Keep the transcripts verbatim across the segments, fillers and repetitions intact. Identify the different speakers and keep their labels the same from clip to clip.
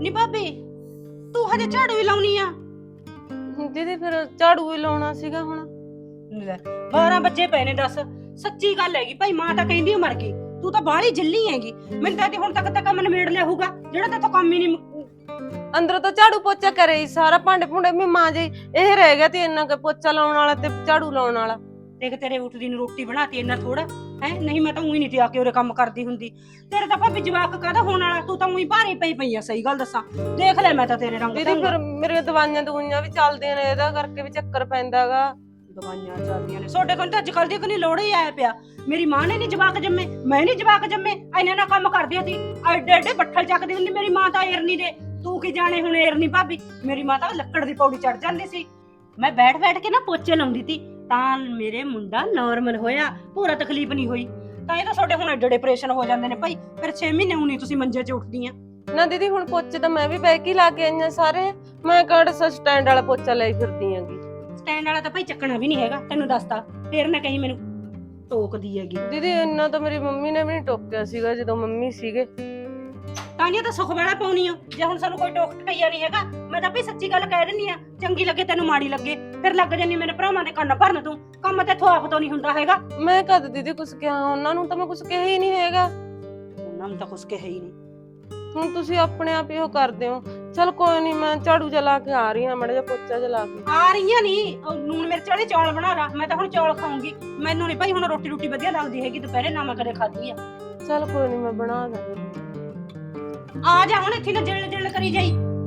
Speaker 1: ਨੀ ਭਾਬੀ ਤੂੰ ਹਜੇ ਝਾੜੂ ਹੀ ਲਾਉਣੀ ਆ?
Speaker 2: ਦੀਦੀ ਫਿਰ ਝਾੜੂ ਹੀ ਲਾਉਣਾ ਸੀਗਾ ਹੁਣ।
Speaker 1: ਲੈ ਬਾਰਾਂ ਵਜੇ ਪਏ ਨੇ। ਦੱਸ ਸੱਚੀ ਗੱਲ ਹੈਗੀ ਭਾਈ, ਮਾਂ ਤਾਂ ਕਹਿੰਦੀ ਮਰ ਗਈ, ਤੂੰ ਤਾਂ ਬਾਹਲੀ ਜੱਲੀ ਹੈਗੀ। ਮੈਨੂੰ ਤਾਂ ਹੁਣ ਤੱਕ ਤਾਂ ਕੰਮ ਨਿਬੇੜ ਲਿਆ ਹੋਊਗਾ ਜਿਹੜਾ ਤੇਥੋਂ ਕੰਮ ਹੀ ਨਹੀਂ।
Speaker 2: ਅੰਦਰੋਂ ਤਾਂ ਝਾੜੂ ਪੋਚਾ ਕਰੇ ਹੀ ਸਾਰਾ, ਭਾਂਡੇ ਭੁੰਡੇ ਵੀ ਮਾਂ ਜੀ ਇਹ ਰਹਿ ਗਿਆ ਤੇ ਇੰਨਾ ਕੁ ਪੋਚਾ ਲਾਉਣ ਵਾਲਾ ਤੇ ਝਾੜੂ ਲਾਉਣ ਵਾਲਾ।
Speaker 1: ਦੇਖ ਤੇਰੇ ਉੱਠਦੀ ਨੂੰ ਰੋਟੀ ਬਣਾਤੀ ਇੰਨਾ ਥੋੜਾ ਹੈ, ਨਹੀਂ ਮੈਂ ਤਾਂ ਉਹੀ ਨਹੀਂ ਟਿਆ ਕੇ ਉਰੇ ਕੰਮ ਕਰਦੀ ਹੁੰਦੀ। ਤੇਰੇ ਤਾਂ ਭਾਬੀ ਜਵਾਕ ਕਾਹਦਾ ਹੋਣ ਵਾਲਾ, ਤੂੰ ਤਾਂ ਉਹੀ ਭਾਰੀ ਪਈ ਪਈ ਆ। ਸਹੀ ਗੱਲ ਦੱਸਾਂ ਦੇਖ ਲੈ ਮੈਂ ਤਾਂ ਤੇਰੇ ਰੰਗ।
Speaker 2: ਦੀਦੀ ਫਿਰ ਮੇਰੀਆਂ ਦਵਾਈਆਂ ਦਵਾਈਆਂ ਵੀ ਚੱਲਦੀਆਂ ਨੇ, ਇਹਦਾ ਕਰਕੇ ਵੀ ਚੱਕਰ ਪੈਂਦਾਗਾ।
Speaker 1: ਦਵਾਈਆਂ ਚੱਲਦੀਆਂ ਨੇ ਤੁਹਾਡੇ ਕੋਲ ਤਾਂ ਅੱਜ ਕੱਲ ਦੀ ਕੋਈ ਲੋੜ ਹੀ ਆਇਆ ਪਿਆ। ਮੇਰੀ ਮਾਂ ਨੇ ਨਹੀਂ ਜਵਾਕ ਜੰਮੇ, ਮੈਂ ਨਹੀਂ ਜਵਾਕ ਜੰਮੇ, ਇੰਨਾ ਨਾ ਕੰਮ ਕਰਦੀ ਸੀ। ਐਡੇ ਐਡੇ ਬੱਠਲ ਚੱਕਦੀ ਹੁੰਦੀ ਮੇਰੀ ਮਾਂ ਤਾਂ ਏਰਨੀ ਦੇ। ਤੂੰ ਕੀ ਜਾਣੇ ਹੁਣ ਏਰਨੀ ਭਾਬੀ, ਮੇਰੀ ਮਾਂ ਤਾਂ ਲੱਕੜ ਦੀ ਪੌੜੀ ਚੜ ਜਾਂਦੀ ਸੀ। ਮੈਂ ਬੈਠ ਬੈਠ ਕੇ ਨਾ ਪੋਚੇ ਲਾਉਂਦੀ ਸੀ ਤਾਂ ਮੇਰੇ ਮੁੰਡਾ ਨਾਰਮਲ ਹੋਇਆ, ਪੂਰਾ ਤਕਲੀਫ ਨਹੀਂ ਹੋਈ। ਤਾਂ ਇਹ ਤਾਂ ਤੁਹਾਡੇ ਹੁਣ ਐਡੇ ਡਿਪਰੈਸ਼ਨ ਹੋ ਜਾਂਦੇ ਨੇ ਭਾਈ। ਫਿਰ ਛੇ ਮਹੀਨੇ ਹੁਣੀ ਤੁਸੀਂ ਮੰਜੇ 'ਚ ਉੱਠਦੀਆਂ
Speaker 2: ਨਾ। ਦੀਦੀ ਹੁਣ ਪੋਚੇ ਤਾਂ ਮੈਂ ਵੀ ਬਹਿ ਕੇ ਲਾ ਕੇ ਆਈਆਂ ਸਾਰੇ, ਮੈਂ ਕਿਹੜਾ ਸਟੈਂਡ ਵਾਲਾ ਪੋਚਾ ਲਈ ਫਿਰਦੀ ਆਂਗੀ।
Speaker 1: ਸਟੈਂਡ ਵਾਲਾ ਤਾਂ ਭਾਈ ਚੱਕਣਾ ਵੀ ਨਹੀਂ ਹੈਗਾ, ਤੈਨੂੰ ਦੱਸਤਾ। ਫੇਰ ਨਾ ਕਹੀਂ ਮੈਨੂੰ ਟੋਕਦੀ ਹੈਗੀ।
Speaker 2: ਦੀਦੀ ਇੰਨਾ ਤਾਂ ਮੇਰੀ ਮੰਮੀ ਨੇ ਵੀ ਨਹੀਂ ਟੋਕਿਆ ਸੀਗਾ ਜਦੋਂ ਮੰਮੀ ਸੀਗੇ।
Speaker 1: ਤਾਂਹੀਓ ਤਾਂ ਸੁਖ ਵਾਲਾ ਪਾਉਣੀ ਆ। ਜੇ ਹੁਣ ਸਾਨੂੰ ਕੋਈ ਟੋਕ ਟਕਈਆ ਨਹੀਂ ਹੈਗਾ, ਮੈਂ ਤਾਂ ਵੀ ਸੱਚੀ ਗੱਲ ਕਹਿ ਦਿੰਦੀ ਆ। ਚੰਗੀ ਲੱਗੇ ਤੈਨੂੰ ਮਾੜੀ ਲੱਗੇ, ਫਿਰ ਲੱਗ ਜਾਨੀ ਮੇਰੇ ਭਰਾਵਾਂ ਦੇ ਕੰਨ ਭਰਨ। ਤੂੰ ਕੰਮ ਤੇ ਆਪ ਤੋਂ ਨਹੀਂ ਹੁੰਦਾ ਹੈਗਾ।
Speaker 2: ਮੈਂ ਕਦ ਦੀਦੀ ਕੁਛ ਕਿਹਾ ਉਹਨਾਂ ਨੂੰ? ਤਾਂ ਮੈਂ ਕੁਛ ਕਿਹਾ ਹੀ ਨਹੀਂ ਹੈਗਾ।
Speaker 1: ਉਹਨਾਂ ਨੂੰ ਤਾਂ ਕੁਛ ਕਿਹਾ ਹੀ ਨਹੀਂ।
Speaker 2: ਹੁਣ ਤੁਸੀਂ ਆਪਣੇ ਆਪ ਹੀ ਉਹ ਕਰਦੇ ਹੋ। ਚਲ ਕੋਈ ਨਹੀਂ, ਮੈਂ ਝਾੜੂ ਜਲਾ ਕੇ ਆ ਰਹੀ ਹਾਂ, ਮੜਾ ਜਿਹਾ ਪੋਚਾ ਜਲਾ ਕੇ
Speaker 1: ਆ ਰਹੀਆਂ ਨਹੀਂ। ਨੂਨ ਮਿਰਚ ਵਾਲੇ ਚੌਲ ਬਣਾ ਲਾ, ਮੈਂ ਤਾਂ ਹੁਣ ਚੌਲ ਖਾਊਂਗੀ। ਮੈਨੂੰ ਨਹੀਂ ਭਾਈ ਹੁਣ ਰੋਟੀ ਰੋਟੀ ਵਧੀਆ ਲੱਗਦੀ ਹੈਗੀ ਦੁਪਹਿਰੇ, ਨਾ ਮੈਂ ਕਦੇ ਖਾਧੀ ਆ।
Speaker 2: ਚਲ ਕੋਈ ਨਹੀਂ, ਮੈਂ ਬਣਾ ਦਾਂਗੀ।
Speaker 1: ਆ ਜਾ ਹੁਣ, ਇੱਥੇ ਨਾ ਜਿਲ ਜਿਲ ਕਰੀ ਜਾਈ।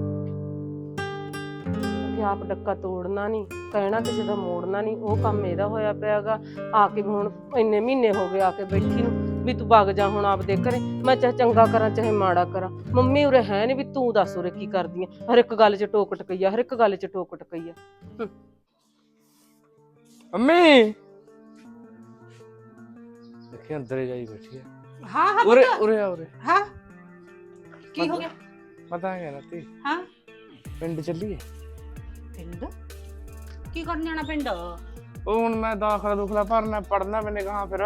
Speaker 2: ਕਿ ਆਪ ਡੱਕਾ ਤੋੜਨਾ ਨਹੀਂ, ਕਹਿਣਾ ਕਿਸੇ ਦਾ ਮੋੜਨਾ ਨਹੀਂ, ਉਹ ਕੰਮ ਇਹਦਾ ਹੋਇਆ ਪਿਆਗਾ। ਆ ਕੇ ਹੁਣ ਇੰਨੇ ਮਹੀਨੇ ਹੋ ਗਏ ਆ ਕੇ ਬੈਠੀ ਨੂੰ ਵੀ ਤੂੰ ਵਗ ਜਾ ਹੁਣ ਆਪਦੇ ਘਰੇ। ਮੈਂ ਚਾਹੇ ਚੰਗਾ ਕਰਾਂ ਚਾਹੇ ਮਾੜਾ ਕਰਾਂ, ਮੰਮੀ ਉਰੇ ਹੈ ਨੀ ਵੀ ਤੂੰ ਦੱਸ ਉਰੇ ਕੀ ਕਰਦੀ ਆ। ਹਰ ਇੱਕ ਗੱਲ 'ਚ ਟੋਕ ਟਕਈਆ, ਹਰ ਇੱਕ ਗੱਲ 'ਚ ਟੋਕ ਟਕਈਆ।
Speaker 3: ਮੰਮੀ ਦੇਖੀ ਅੰਦਰ ਜਾਈ ਬੈਠੀ ਹੈ।
Speaker 1: ਹਾਂ ਹਾਂ
Speaker 3: ਉਰੇ ਉਰੇ ਆ ਉਰੇ।
Speaker 1: ਹਾਂ ਕੀ ਹੋ ਗਿਆ?
Speaker 3: ਪਤਾ ਹੈ ਨਾ ਤੀ
Speaker 1: ਹਾਂ
Speaker 3: ਪਿੰਡ ਚੱਲੀਏ।
Speaker 1: ਪਿੰਡ ਕੀ ਕਰਨ ਜਾਣਾ ਪਿੰਡ?
Speaker 3: ਉਹ ਹੁਣ ਮੈਂ ਦਾਖਲਾ ਦੁਖਲਾ ਭਰਨਾ, ਪੜਨਾ ਮੈਨੇ ਕਹਾ ਫਿਰ।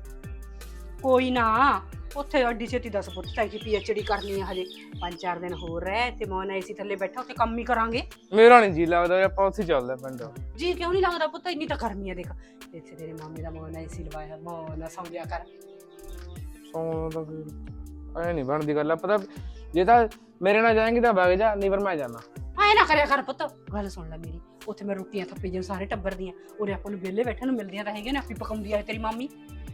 Speaker 1: ਕੋਈ ਨਾ, ਉੱਥੇ ਅੱਡੀ ਛੇਤੀ ਦਸ ਪੁੱਤ ਚਾਹੀ ਕਿ ਪੀਐਚਡੀ ਕਰਨੀ ਹੈ ਹਜੇ। ਪੰਜ ਚਾਰ ਦਿਨ ਹੋਰ ਰਹਿ ਤੇ ਮੋਨ ਏਸੀ ਥੱਲੇ ਬੈਠਾ ਉੱਥੇ ਕੰਮ ਹੀ ਕਰਾਂਗੇ।
Speaker 3: ਮੇਰਾ ਨਹੀਂ ਜੀ ਲੱਗਦਾ, ਆਪਾਂ ਉੱਥੇ ਚੱਲਦੇ ਪਿੰਡ।
Speaker 1: ਜੀ ਕਿਉਂ ਨਹੀਂ ਲੱਗਦਾ ਪੁੱਤ, ਇੰਨੀ ਤਾਂ ਗਰਮੀ ਆ। ਦੇਖ ਇੱਥੇ ਤੇਰੇ ਮਾਮੇ ਦਾ ਮੋਨ ਏਸੀ ਲਵਾਇਆ, ਮੋਨ ਸੌਂ ਜਾ ਕਰ।
Speaker 3: ਸੌਂ ਤਾਂ ਫਿਰ ਐ ਨਹੀਂ ਬਣਦੀ ਗੱਲ। ਪਤਾ ਜੇ ਤਾਂ ਮੇਰੇ ਨਾਲ ਜਾਏਂਗੀ ਤਾਂ ਵਗ ਜਾ, ਨਹੀਂ ਫਿਰ ਮੈਂ ਜਾਣਾ।
Speaker 1: ਐ ਨਾ ਕਰਿਆ ਕਰ ਪੁੱਤ, ਗੱਲ ਸੁਣ ਲੈ ਮੇਰੀ। ਉੱਥੇ ਮੈਂ ਰੋਟੀਆਂ ਥੱਪੀ ਜਾਂ ਸਾਰੇ ਟੱਬਰ ਦੀਆਂ, ਉਰੇ ਆਪਾਂ ਨੂੰ ਵਿਹਲੇ ਬੈਠਣ ਨੂੰ ਮਿਲਦੀਆਂ ਤਾਂ ਹੈਗੀਆਂ ਨੇ। ਆਪੀ ਪਕਾਉਂਦੀ ਆ ਤੇਰੀ ਮਾਮੀ।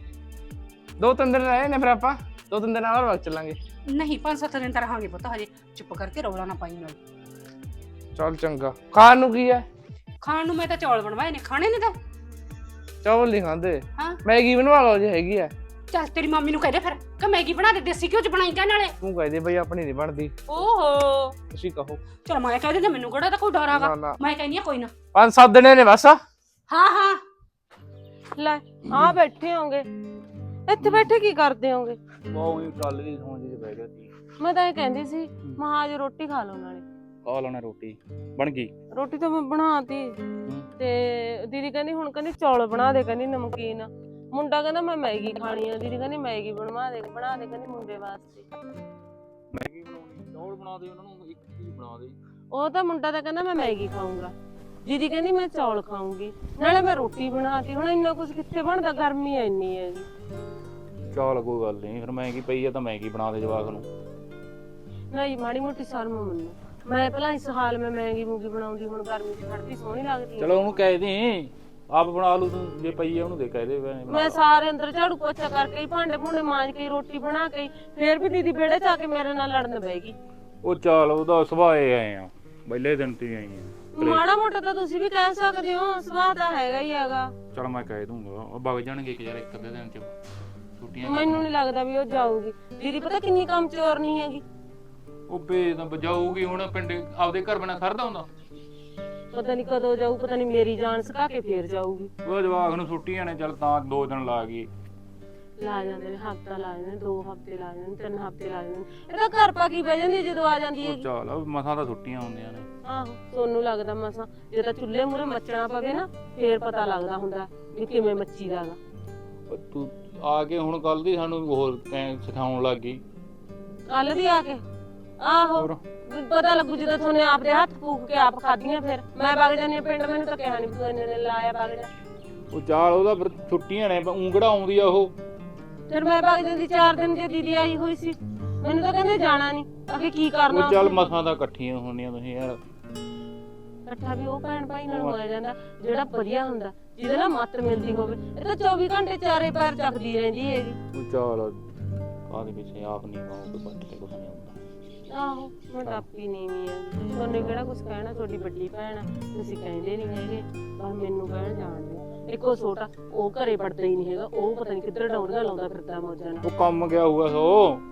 Speaker 3: ਦੋ ਤਿੰਨ ਦਿਨ ਰਹੇ ਨੇ, ਫਿਰ ਆਪਾਂ ਦੋ ਤਿੰਨ ਦਿਨ ਹੋਰ ਵਗ ਚੱਲਾਂਗੇ।
Speaker 1: ਨਹੀਂ ਪੰਜ ਸੱਤ ਦਿਨ ਤਾਂ ਰਹਾਂਗੇ ਪੁੱਤ ਹਜੇ। ਚੁੱਪ ਕਰਕੇ ਰੌਲਾ ਨਾ ਪਾਈ ਨਾਲ।
Speaker 3: ਚੱਲ ਚੰਗਾ। ਖਾਣ ਨੂੰ ਕੀ ਹੈ?
Speaker 1: ਖਾਣ ਨੂੰ ਮੈਂ ਤਾਂ ਚੌਲ ਬਣਵਾਏ ਨੇ, ਖਾਣੇ ਨੇ ਤਾਂ।
Speaker 3: ਚੌਲ ਨਹੀਂ ਖਾਂਦੇ,
Speaker 1: ਹਾਂ
Speaker 3: ਮੈਗੀ ਬਣਵਾ ਲਓ ਜੇ ਹੈਗੀ ਆ।
Speaker 1: ਚੱਲ ਤੇਰੀ ਮਾਮੀ ਨੂੰ ਕਹਿ ਦੇ ਫਿਰ ਕਿ ਮੈਗੀ ਬਣਾ ਦੇ, ਦੇਸੀ ਘਿਓ ਚ ਬਣਾਈ ਕਹਿ ਨਾਲੇ।
Speaker 3: ਤੂੰ ਕਹਿ ਦੇ ਬਈ ਆਪਣੀ ਨਹੀਂ ਬਣਦੀ,
Speaker 1: ਓਹੋ
Speaker 3: ਤੁਸੀਂ ਕਹੋ।
Speaker 1: ਚਲ ਮੈਂ ਕਹਿ ਦਿੰਦਾ, ਮੈਨੂੰ ਕਿਹੜਾ ਤਾਂ ਕੋਈ ਡਰ ਆਗਾ।
Speaker 3: ਨਾ, ਨਾ।
Speaker 1: ਮੈਂ ਕਹਿੰਦੀ ਆ ਕੋਈ ਨਾ।
Speaker 3: ਪੰਜ ਸੱਤ ਦਿਨ ਨੇ ਬਸ।
Speaker 1: ਹਾਂ ਹਾਂ
Speaker 2: ਲੈ ਆ ਬੈਠੇ ਹੋਗੇ ਇੱਥੇ, ਬੈਠੇ ਕੀ ਕਰਦੇ ਹੋਗੇ?
Speaker 4: ਉਹ ਹੀ ਚੱਲ ਰਹੀ ਸੌਂ ਜੀ ਬਹਿ ਗਿਆ ਸੀ।
Speaker 2: ਮੈਂ ਤਾਂ ਇਹ ਕਹਿੰਦੀ ਸੀ ਮਹਾਂ ਅੱਜ ਰੋਟੀ ਖਾ ਲਓ ਨਾਲੇ।
Speaker 4: ਖਾ ਲੈਣਾ ਰੋਟੀ, ਬਣ ਗਈ
Speaker 2: ਰੋਟੀ ਤਾਂ ਮੈਂ ਬਣਾਤੀ ਤੇ ਦੀਦੀ ਕਹਿੰਦੀ ਹੁਣ ਕਹਿੰਦੀ ਚੌਲ ਬਣਾ ਦੇ, ਕਹਿੰਦੀ ਨਮਕੀਨ। ਮੁੰਡਾ ਕਹਿੰਦਾ ਮੈਂ ਮੈਗੀ ਖਾਣੀ ਆ, ਦੀਦੀ ਕਹਿੰਦੀ ਮੈਗੀ ਬਣਵਾ ਦੇ ਬਣਾ ਦੇ ਕਹਿੰਦੀ ਮੁੰਡੇ ਵਾਸਤੇ।
Speaker 4: ਮੈਗੀ ਬਣਾਉਣੀ, ਚੌਲ ਬਣਾ ਦੇ, ਉਹਨਾਂ ਨੂੰ ਇੱਕ ਚੀਜ਼ ਬਣਾ ਦੇ।
Speaker 2: ਉਹ ਤਾਂ ਮੁੰਡਾ ਤਾਂ ਕਹਿੰਦਾ ਮੈਂ ਮੈਗੀ ਖਾਊਂਗਾ, ਦੀਦੀ ਕਹਿੰਦੀ ਮੈਂ ਚੌਲ ਖਾਊਂਗੀ, ਨਾਲੇ ਮੈਂ ਰੋਟੀ ਬਣਾਤੀ। ਹੁਣ ਇੰਨਾ ਕੁਝ ਕਿੱਥੇ ਬਣਦਾ, ਗਰਮੀ ਇੰਨੀ ਹੈ ਜੀ।
Speaker 4: ਚੱਲ ਕੋਈ ਗੱਲ ਨਹੀਂ, ਫਿਰ ਮੈਗੀ ਪਈ ਆ ਤਾਂ ਮੈਗੀ ਬਣਾ ਦੇ ਜਵਾਕ ਨੂੰ।
Speaker 2: ਨਹੀਂ ਮਾੜੀ ਮੋਟੀ ਸ਼ਰਮ ਮੰਨੋ, ਮੈਂ ਪਹਿਲਾਂ ਇਸ ਹਾਲ ਮੈਂ ਮੈਗੀ ਮੂਗੀ ਬਣਾਉਂਦੀ, ਹੁਣ ਗਰਮੀ ਚ ਖੜਦੀ ਸੋਹਣੀ ਲੱਗਦੀ।
Speaker 4: ਚਲੋ ਉਹਨੂੰ ਕਹਿ ਦੇ ਆਪ ਬਣਾ ਲੂ, ਤੂੰ ਜੇ ਪਈ ਆ ਉਹਨੂੰ ਦੇ ਕਹਿ ਦੇ।
Speaker 2: ਮੈਂ ਸਾਰੇ ਅੰਦਰ ਝਾੜੂ ਪੋਚਾ ਕਰਕੇ ਭਾਂਡੇ ਭੁੰਡੇ ਮਾਂਜ ਕੇ ਰੋਟੀ ਬਣਾ ਕੇ ਫੇਰ ਵੀ ਦੀਦੀ ਵਿਹੜੇ ਚ ਆ ਕੇ ਮੇਰੇ ਨਾਲ ਲੜਨ ਬੈਗੀ।
Speaker 4: ਉਹ ਚੱਲ ਉਹਦਾ ਸੁਭਾਅ ਆਏ ਆ, ਪਹਿਲੇ ਦਿਨ ਤੇ ਆਈ ਆ।
Speaker 2: ਮਾੜਾ ਮੋਟਾ ਤਾਂ ਤੁਸੀਂ ਵੀ ਕਹਿ ਸਕਦੇ ਹੋ, ਸੁਭਾਅ ਤਾਂ ਹੈਗਾ ਹੀ ਹੈਗਾ।
Speaker 4: ਚਲ ਮੈਂ ਕਹਿ ਦੂੰਗਾ, ਉਹ ਵਗ ਜਾਣਗੇ ਕਿ ਯਾਰ ਇੱਕ ਅੱਧੇ ਦਿਨ ਚ ਛੁੱਟੀਆਂ।
Speaker 2: ਮੈਨੂੰ ਨਹੀਂ ਲੱਗਦਾ ਵੀ ਉਹ ਜਾਊਗੀ। ਦੀਦੀ ਪਤਾ ਕਿੰਨੀ ਕੰਮ ਚੋਰ ਨਹੀਂ ਹੈਗੀ।
Speaker 4: ਉਹ ਬੇ ਤਾਂ ਬਜਾਊਗੀ ਹੁਣ, ਪਿੰਡ ਆਪਦੇ ਘਰ ਬਣਾ ਸਰਦਾ ਹੁੰਦਾ।
Speaker 2: ਪਤਾ ਨਹੀਂ ਕਦੋਂ ਜਾਊ, ਪਤਾ ਨਹੀਂ ਮੇਰੀ ਜਾਨ ਸਕਾ ਕੇ ਫੇਰ ਜਾਊਗੀ।
Speaker 4: ਉਹ ਜਵਾਕ ਨੂੰ ਛੁੱਟੀਆਂ ਨੇ, ਚੱਲ ਤਾਂ ਦੋ ਦਿਨ ਲਾ ਗਈ।
Speaker 2: ਲਾ ਜਾਂਦੇ ਨੇ, ਹਫਤਾ ਲਾ ਜਾਂਦੇ ਨੇ, ਦੋ ਹਫਤੇ ਲਾ ਜਾਂਦੇ ਨੇ, ਤਿੰਨ ਹਫਤੇ ਲਾ ਜਾਂਦੇ ਨੇ। ਇਹਦਾ ਘਰ ਪਾ ਕੀ ਬਹਿ ਜਾਂਦੀ ਜਦੋਂ ਆ ਜਾਂਦੀ ਹੈ।
Speaker 4: ਚੱਲ ਮਸਾਂ ਤਾਂ ਛੁੱਟੀਆਂ ਹੁੰਦੀਆਂ ਨੇ।
Speaker 2: ਆਹੋ ਸੋਨੂੰ ਲੱਗਦਾ ਮਸਾਂ, ਜੇ ਤਾਂ ਚੁੱਲ੍ਹੇ ਮੂਹਰੇ ਮੱਚਣਾ ਪਵੇ ਨਾ ਫੇਰ ਪਤਾ ਲੱਗਦਾ ਹੁੰਦਾ ਵੀ ਕਿਵੇਂ ਮੱਚੀ ਦਾਗਾ।
Speaker 4: ਤੂੰ ਆ ਕੇ ਹੁਣ ਕੱਲ ਦੀ ਸਾਨੂੰ ਹੋਰ ਸਿਖਾਉਣ ਲੱਗ ਗਈ।
Speaker 2: ਕੱਲ ਦੀ ਆ ਕੇ ਆਹੋ
Speaker 4: ਹੋਰ
Speaker 2: ਪਤਾ ਲੱਗੂ ਜਦੋਂ ਤੁਹਾਨੂੰ ਆਪਦੇ ਹੱਥ ਫੂਕ ਕੇ ਆਪ ਖਾਧੀਆਂ ਫਿਰ ਮੈਂ ਵਗ ਜਾਂਦੀ ਆ ਪਿੰਡ ਮੈਨੂੰ ਤਾਂ ਕਿਹਾ ਨਹੀਂ ਤੂੰ ਇੰਨੇ ਦਿਨ ਲਾਇਆ ਵਗ ਜਾ
Speaker 4: ਉਹ ਚਾਲ ਉਹਦਾ ਫਿਰ ਛੁੱਟੀਆਂ ਨੇ ਉਂਗੜਾ ਆਉਂਦੀ ਆ ਉਹ
Speaker 2: ਫਿਰ ਮੈਂ ਵਗ ਜਾਂਦੀ ਚਾਰ ਦਿਨ ਜੇ ਦੀਦੀ ਆਈ ਹੋਈ ਸੀ ਮੈਨੂੰ ਤਾਂ ਕਹਿੰਦੇ ਜਾਣਾ ਨਹੀਂ ਅੱਗੇ ਕੀ ਕਰਨਾ
Speaker 4: ਉਹ ਚੱਲ ਮਸਾਂ ਤਾਂ ਇਕੱਠੀਆਂ ਹੋਣੀਆਂ ਤੁਸੀਂ ਯਾਰ
Speaker 2: ਇਕੱਠਾ ਵੀ ਉਹ ਭੈਣ ਭਾਈ ਨਾਲ ਹੋਇਆ ਜਾਂਦਾ ਜਿਹੜਾ ਵਧੀਆ ਹੁੰਦਾ ਜਿਹਦੇ ਨਾਲ ਮੱਤ ਮਿਲਦੀ ਹੋਵੇ ਇਹ ਤਾਂ ਚੌਵੀ ਘੰਟੇ ਚਾਰੇ ਪੈਰ ਚੱਕਦੀ ਰਹਿੰਦੀ ਹੈਗੀ
Speaker 4: ਉਹ ਚਾਲ ਕਾਹਦੇ ਪਿੱਛੇ ਆਪ ਨਹੀਂ ਮਾਉ ਕੋਈ ਬੱਟ ਤੇ ਕੁਛ ਨਹੀਂ ਹੁੰਦਾ
Speaker 2: ਆਹੋ ਮੈਂ ਟਾਪੀ ਨਹੀਂ ਵੀ ਆ ਤੁਹਾਨੂੰ ਕਿਹੜਾ ਕੁਝ ਕਹਿਣਾ ਤੁਹਾਡੀ ਵੱਡੀ ਭੈਣ ਆ ਤੁਸੀਂ ਕਹਿੰਦੇ ਨਹੀਂ ਹੈਗੇ ਪਰ ਮੈਨੂੰ ਕਹਿਣ ਜਾਣ ਦਿਓ ਇੱਕੋ ਛੋਟਾ ਉਹ ਘਰੇ ਪੜਦਾ ਹੀ ਨਹੀਂ ਹੈਗਾ ਉਹ ਪਤਾ ਨਹੀਂ ਕਿੱਧਰ ਡੌਂਡੀਆਂ ਲਾਉਂਦਾ ਫਿਰਦਾ ਮੌਜਾਂ ਨਾਲ
Speaker 4: ਉਹ ਕੰਮ ਗਿਆ ਹੋਊਗਾ ਸੋ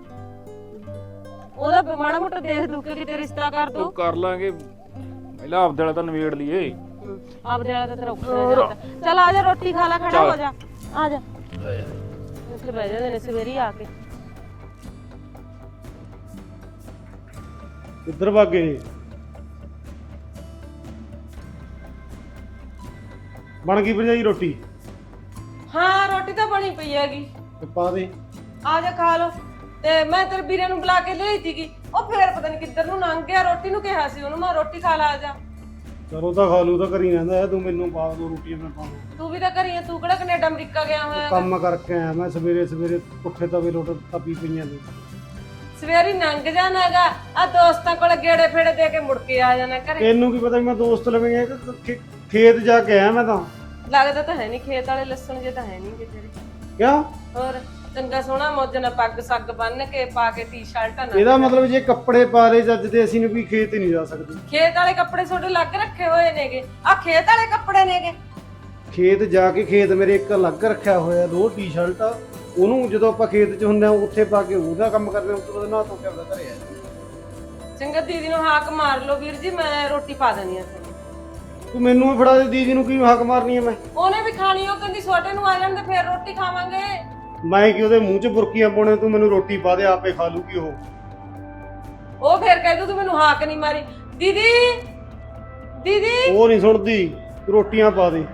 Speaker 2: ਉਹਦਾ ਮਾੜਾ ਮੋਟਾ ਦੇਖ ਦੂ ਕੇ ਕਿਤੇ ਰਿਸ਼ਤਾ ਕਰ ਦੋ
Speaker 4: ਉਹ ਕਰ ਲਾਂਗੇ ਪਹਿਲਾਂ ਆਪਦੇ ਵਾਲਾ ਤਾਂ ਨਵੇੜ ਲਈਏ
Speaker 2: ਆਪਦੇ ਵਾਲਾ ਤਾਂ ਤੇਰਾ ਔਖਾ ਹੋ ਜਾਂਦਾ ਚੱਲ ਆ ਜਾ ਰੋਟੀ ਖਾ ਲੈ ਖੜਾ ਹੋ ਜਾ ਆ ਜਾ ਇੱਥੇ ਬਹਿ ਜਾਂਦੇ ਨੇ ਸਵੇਰੀ ਆ ਕੇ
Speaker 5: ਕਿੱਧਰ ਭਾਗੇ ਨੇ ਬਣ ਗਈ ਭਰਜਾਈ ਰੋਟੀ
Speaker 2: ਹਾਂ ਰੋਟੀ ਤਾਂ ਬਣੀ ਪਈ ਹੈਗੀ
Speaker 5: ਤੇ ਪਾ ਦੇ
Speaker 2: ਆ ਜਾ ਖਾ ਲੋ ਤੇ ਮੈਂ ਤੇਰੇ ਵੀਰੇ ਨੂੰ ਬੁਲਾ ਕੇ ਲਿਆਈ ਸੀਗੀ ਉਹ ਫੇਰ ਪਤਾ ਨਹੀਂ ਕਿੱਧਰ ਨੂੰ ਲੰਘ ਗਿਆ ਰੋਟੀ ਨੂੰ ਕਿਹਾ ਸੀ ਉਹਨੂੰ ਮੈਂ ਰੋਟੀ ਖਾ ਲਾ ਆ ਜਾ
Speaker 5: ਚਲੋ ਤਾਂ ਖਾ ਲੂ ਤਾਂ ਕਰੀ ਜਾਂਦਾ ਹੈ, ਤੂੰ ਮੈਨੂੰ ਪਾ ਦੋ ਰੋਟੀ ਮੈਂ ਪਾ ਦੂੰ
Speaker 2: ਤੂੰ ਵੀ ਤਾਂ ਘਰੀ ਆ ਤੂੰ ਕਿਹੜਾ ਕੈਨੇਡਾ ਅਮਰੀਕਾ ਗਿਆ ਹੋਇਆ ਹੈਗਾ?
Speaker 5: ਕੰਮ ਕਰਕੇ ਆਇਆ ਮੈਂ ਸਵੇਰੇ ਸਵੇਰੇ ਪੁੱਠੇ ਤਵੇ ਰੋਟ ਤਪੀ ਪਈਆਂ ਨੇ
Speaker 2: ਸਵੇਰੀ ਲੰਘ ਜਾਣਾਗਾ ਆ ਦੋਸਤਾਂ ਕੋਲ ਗੇੜੇ ਫੇੜੇ ਦੇ ਕੇ ਮੁੜ ਕੇ ਆ ਜਾਣਾ ਘਰੇ
Speaker 5: ਤੈਨੂੰ ਕੀ ਪਤਾ ਮੈਂ ਦੋਸਤ ਲਵੇਂਗੇ ਕਿ ਖੇ- ਖੇਤ ਜਾ ਕੇ ਆਇਆ ਮੈਂ ਤਾਂ
Speaker 2: ਲੱਗਦਾ ਤਾਂ ਹੈ ਨਹੀਂ ਖੇਤ ਵਾਲੇ ਲੱਸਣ ਜੇ ਤਾਂ ਹੈ ਨਹੀਂ ਕਿ ਤੇਰੇ
Speaker 5: ਕਿਆ
Speaker 2: ਹੋਰ ਚੰਗਾ ਸੋਹਣਾ ਮੌਜ ਨਾਲ ਪੱਗ ਸੱਗ ਬੰਨ ਕੇ ਪਾ ਕੇ ਟੀ-ਸ਼ਰਟਾਂ ਨਾਲ
Speaker 5: ਇਹਦਾ ਮਤਲਬ ਜੇ ਕੱਪੜੇ ਪਾ ਲਏ ਜੱਜ ਦੇ ਅਸੀਂ ਨੂੰ ਵੀ ਖੇਤ ਹੀ ਨਹੀਂ ਜਾ ਸਕਦੇ
Speaker 2: ਖੇਤ ਵਾਲੇ ਕੱਪੜੇ ਤੁਹਾਡੇ ਲੱਗ ਰੱਖੇ ਹੋਏ ਨੇਗੇ ਆ ਖੇਤ ਵਾਲੇ ਕੱਪੜੇ ਨੇਗੇ
Speaker 5: ਖੇਤ ਜਾ ਕੇ ਖੇਤ ਮੇਰੇ ਇੱਕ ਅਲੱਗ ਰੱਖਿਆ ਹੋਇਆ ਦੋ ਟੀ-ਸ਼ਰਟ ਉਹਨੂੰ ਜਦੋਂ ਆਪਾਂ ਖੇਤ 'ਚ ਹੁੰਦੇ ਆ ਉੱਥੇ ਪਾ ਕੇ ਉਹਦਾ ਕੰਮ ਕਰਦੇ ਆ ਉਸ ਤੋਂ ਬਾਅਦ ਨਾ ਧੋ ਕੇ ਆਪਦਾ ਘਰੇ ਆ
Speaker 2: ਚੰਗਾ ਦੀਦੀ ਨੂੰ ਹਾਕ ਮਾਰ ਲਓ ਵੀਰ ਜੀ ਮੈਂ ਰੋਟੀ ਪਾ ਦੇਣੀ ਆ ਤੁਹਾਨੂੰ
Speaker 5: ਤੂੰ ਮੈਨੂੰ ਵੀ ਫੜਾ ਦੇ ਦੀਦੀ ਨੂੰ ਕੀ ਹੱਕ ਮਾਰਨੀ ਹੈ ਮੈਂ
Speaker 2: ਉਹਨੇ ਵੀ ਖਾਣੀ ਉਹ ਕਹਿੰਦੀ ਛੋਟੇ ਨੂੰ ਆ ਜਾਣ ਤੇ ਫੇਰ ਰੋਟੀ ਖਾਵਾਂਗੇ
Speaker 5: ਮੈਂ ਕਿ ਉਹਦੇ ਮੂੰਹ 'ਚ ਬੁਰਕੀਆਂ ਪਾਉਣੇ ਤੂੰ ਮੈਨੂੰ ਰੋਟੀ ਪਾ ਦੇ ਆਪੇ ਖਾ ਲੂਗੀ ਉਹ
Speaker 2: ਉਹ ਫੇਰ ਕਹਿ ਦੂ ਤੂੰ ਮੈਨੂੰ ਹਾਕ ਨਹੀਂ ਮਾਰੀ ਦੀਦੀ ਦੀਦੀ
Speaker 5: ਉਹ ਨਹੀਂ ਸੁਣਦੀ ਤੂੰ ਰੋਟੀਆਂ ਪਾ ਦੇ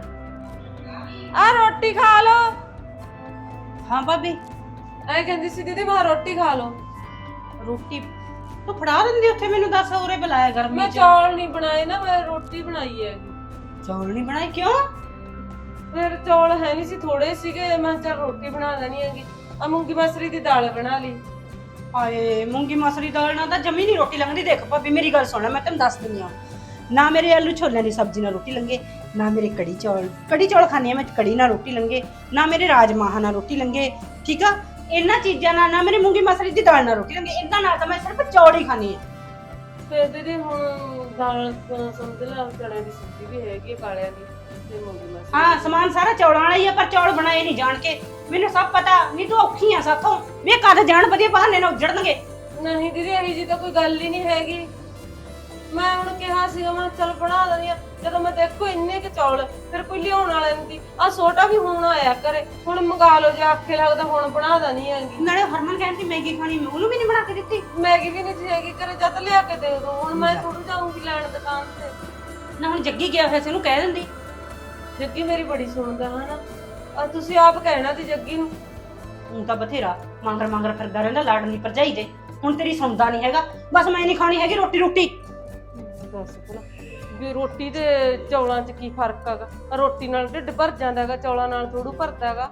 Speaker 2: ਆ ਰੋਟੀ ਖਾ ਲਓ
Speaker 1: ਹਾਂ ਭਾਬੀ
Speaker 2: ਐ ਕਹਿੰਦੀ ਸੀ ਦੀਦੀ ਮੈਂ ਰੋਟੀ ਖਾ ਲਓ
Speaker 1: ਰੋਟੀ ਤੂੰ ਫੜਾ ਦਿੰਦੀ ਉੱਥੇ ਮੈਨੂੰ ਦੱਸ ਉਰੇ ਬੁਲਾਇਆ ਗਰਮੀ
Speaker 2: ਮੈਂ
Speaker 1: ਚ
Speaker 2: ਚੌਲ ਨਹੀਂ ਬਣਾਏ ਨਾ ਮੈਂ ਰੋਟੀ ਬਣਾਈ ਹੈ
Speaker 1: ਚੌਲ ਨਹੀਂ ਬਣਾਏ ਕਿਉਂ
Speaker 2: ਫਿਰ ਚੌਲ ਹੈ ਨਹੀਂ ਸੀ ਥੋੜੇ ਸੀਗੇ ਮੈਂ ਕਿਹਾ ਚੱਲ ਰੋਟੀ ਬਣਾ ਲੈਣੀ ਹੈਗੀ ਆ ਮੂੰਗੀ ਮਸਰੀ ਦੀ ਦਾਲ ਬਣਾ ਲਈ
Speaker 1: ਆਏ ਮੂੰਗੀ ਮਸਰੀ ਦਾਲ ਨਾਲ ਤਾਂ ਜਮੀ ਨਹੀਂ ਰੋਟੀ ਲੰਘਦੀ ਦੇਖ ਭਾਬੀ ਮੇਰੀ ਗੱਲ ਸੁਣ ਮੈਂ ਤੈਨੂੰ ਦੱਸ ਦਿੰਦੀ ਆ ਨਾ ਮੇਰੇ ਆਲੂ ਛੋਲਿਆਂ ਦੀ ਸਬਜ਼ੀ ਨਾਲ ਰੋਟੀ ਲੰਗੇ ਨਾ ਮੇਰੇ ਕੜੀ ਚੌਲ ਕੜੀ ਚੌਲ ਖਾਣੀ ਆ ਮੈਂ ਕੜੀ ਨਾਲ ਰੋਟੀ ਲੰਗੇ ਨਾ ਮੇਰੇ ਰਾਜਮਾਹਾਂ ਨਾਲ ਰੋਟੀ ਲੰਗੇ ਠੀਕ ਆ ਇਹਨਾਂ ਚੀਜ਼ਾਂ ਨਾਲ ਨਾ ਮੇਰੀ ਮੂੰਗੀ ਮਸਰੀ ਦੀ ਦਾਲ ਨਾਲ ਰੋਟੀ ਲੰਗੇ ਇਹਨਾਂ ਨਾਲ ਤਾਂ ਮੈਂ ਸਿਰਫ ਚੌਲ ਹੀ ਖਾਣੀ ਆ
Speaker 2: ਫਿਰ ਦੀਦੀ ਹੁਣ ਦਾਲ ਸਮਝ ਲਾ ਚੜਿਆਂ ਦੀ ਸਬਜ਼ੀ ਵੀ ਹੈਗੀ ਕਾਲਿਆਂ ਦੀ ਤੇ ਮੂੰਗੀ ਮਸਰੀ
Speaker 1: ਹਾਂ ਸਮਾਨ ਸਾਰਾ ਚੌਲਾਂ ਵਾਲਾ ਹੀ ਆ ਪਰ ਚੌਲ ਬਣਾਏ ਨਹੀਂ ਜਾਣ ਕੇ ਮੈਨੂੰ ਸਭ ਪਤਾ ਨਹੀਂ ਤੂੰ ਔਖੀ ਆ ਸਾਥੋਂ ਵੀ ਇਹ ਕਦ ਜਾਣ ਵਧੀਆ ਬਹਾਨੇ ਨਾਲ ਉੱਜੜਨਗੇ
Speaker 2: ਨਹੀਂ ਦੀਦੀ ਇਹੀ ਜੀ ਤਾਂ ਕੋਈ ਗੱਲ ਹੀ ਨਹੀਂ ਹੈਗੀ ਮੈਂ ਹੁਣ ਕਿਹਾ ਸੀਗਾ ਮੈਂ ਚੱਲ ਬਣਾ ਦਿੰਦੀ ਆ ਜਦੋਂ ਮੈਂ ਦੇਖੋ ਇੰਨੇ ਕਿ ਚੌਲ ਫਿਰ ਕੋਈ ਲਿਆਉਣ ਵਾਲਾ ਨਹੀਂ ਆ ਛੋਟਾ ਵੀ ਹੁਣ ਆਇਆ ਕਰੇ ਹੁਣ ਮੰਗਾ ਲਓ ਜੇ ਆਖੇ ਲੱਗਦਾ ਹੁਣ ਬਣਾ ਦੇਣੀ ਹੈਗੀ
Speaker 1: ਨਾਲੇ ਹਰਮਨ ਕਹਿੰਦੀ ਮੈਗੀ ਖਾਣੀ ਮੈਂ ਉਹਨੂੰ ਵੀ ਨਹੀਂ ਬਣਾ ਕੇ ਦਿੱਤੀ
Speaker 2: ਮੈਗੀ ਵੀ ਨਹੀਂ ਸੀ ਹੈਗੀ ਕਰੇ ਜਦ ਲਿਆ ਕੇ ਦੇ ਦੋ ਹੁਣ ਮੈਂ ਥੋੜੂ ਜਾਊਂਗੀ ਲੈਣ ਦੁਕਾਨ ਤੇ
Speaker 1: ਨਾ ਹੁਣ ਜੱਗੀ ਗਿਆ ਹੋਇਆ ਸੀ ਉਹਨੂੰ ਕਹਿ ਦਿੰਦੀ
Speaker 2: ਜੱਗੀ ਮੇਰੀ ਬੜੀ ਸੁਣਦਾ ਹਨਾ ਆ ਤੁਸੀਂ ਆਪ ਕਹਿਣਾ ਸੀ ਜੱਗੀ ਨੂੰ
Speaker 1: ਹੁਣ ਤਾਂ ਬਥੇਰਾ ਮੰਗਰ ਮੰਗਰ ਫਿਰਦਾ ਰਹਿੰਦਾ ਲਾਡਲੀ ਭਰਜਾਈ ਦੇ ਹੁਣ ਤੇਰੀ ਸੁਣਦਾ ਨਹੀਂ ਹੈਗਾ ਬਸ ਮੈਂ ਨਹੀਂ ਖਾਣੀ ਹੈਗੀ ਰੋਟੀ ਰੋਟੀ
Speaker 2: ਦੱਸ ਭਲਾ ਵੀ ਰੋਟੀ ਤੇ ਚੌਲਾਂ 'ਚ ਕੀ ਫਰਕ ਹੈਗਾ ਰੋਟੀ ਨਾਲ ਢਿੱਡ ਭਰ ਜਾਂਦਾ ਹੈਗਾ ਚੌਲਾਂ ਨਾਲ ਥੋੜੂ ਭਰਦਾ ਹੈਗਾ